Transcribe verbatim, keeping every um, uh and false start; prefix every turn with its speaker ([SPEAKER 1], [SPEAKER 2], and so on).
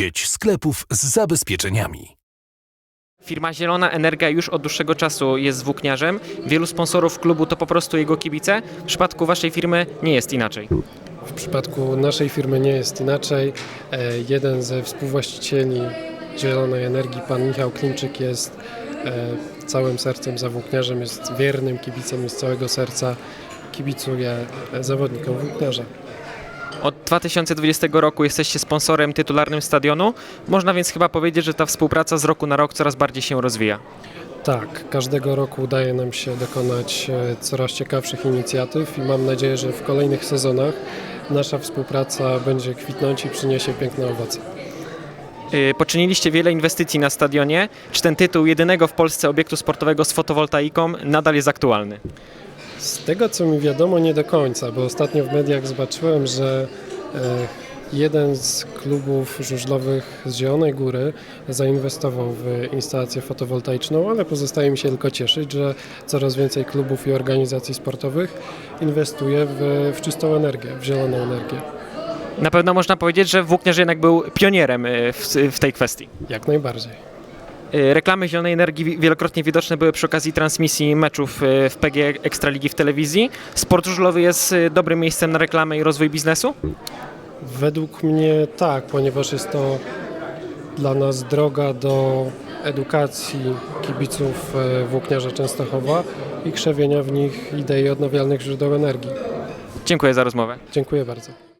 [SPEAKER 1] Sieć sklepów z zabezpieczeniami.
[SPEAKER 2] Firma Zielona Energia już od dłuższego czasu jest włókniarzem. Wielu sponsorów klubu to po prostu jego kibice. W przypadku waszej firmy nie jest inaczej.
[SPEAKER 3] W przypadku naszej firmy nie jest inaczej. E, Jeden ze współwłaścicieli Zielonej Energii, pan Michał Klimczyk, jest e, całym sercem za włókniarzem, jest wiernym kibicem i z całego serca kibicuje e, zawodnikom włókniarza.
[SPEAKER 2] Od dwa tysiące dwudziestego roku jesteście sponsorem tytularnym stadionu. Można więc chyba powiedzieć, że ta współpraca z roku na rok coraz bardziej się rozwija.
[SPEAKER 3] Tak, każdego roku udaje nam się dokonać e, coraz ciekawszych inicjatyw i mam nadzieję, że w kolejnych sezonach nasza współpraca będzie kwitnąć i przyniesie piękne owoce.
[SPEAKER 2] Yy, Poczyniliście wiele inwestycji na stadionie. Czy ten tytuł jedynego w Polsce obiektu sportowego z fotowoltaiką nadal jest aktualny?
[SPEAKER 3] Z tego co mi wiadomo, nie do końca, bo ostatnio w mediach zobaczyłem, że e, jeden z klubów żużlowych z Zielonej Góry zainwestował w instalację fotowoltaiczną, ale pozostaje mi się tylko cieszyć, że coraz więcej klubów i organizacji sportowych inwestuje w, w czystą energię, w zieloną energię.
[SPEAKER 2] Na pewno można powiedzieć, że włókniarz jednak był pionierem yy, w, w tej kwestii.
[SPEAKER 3] Jak najbardziej.
[SPEAKER 2] Yy, Reklamy Zielonej Energii wielokrotnie widoczne były przy okazji transmisji meczów yy, w P G Ekstraligi w telewizji. Sport żużlowy jest yy, dobrym miejscem na reklamę i rozwój biznesu?
[SPEAKER 3] Według mnie tak, ponieważ jest to dla nas droga do edukacji kibiców e, włókniarza Częstochowa i krzewienia w nich idei odnawialnych źródeł energii.
[SPEAKER 2] Dziękuję za rozmowę.
[SPEAKER 3] Dziękuję bardzo.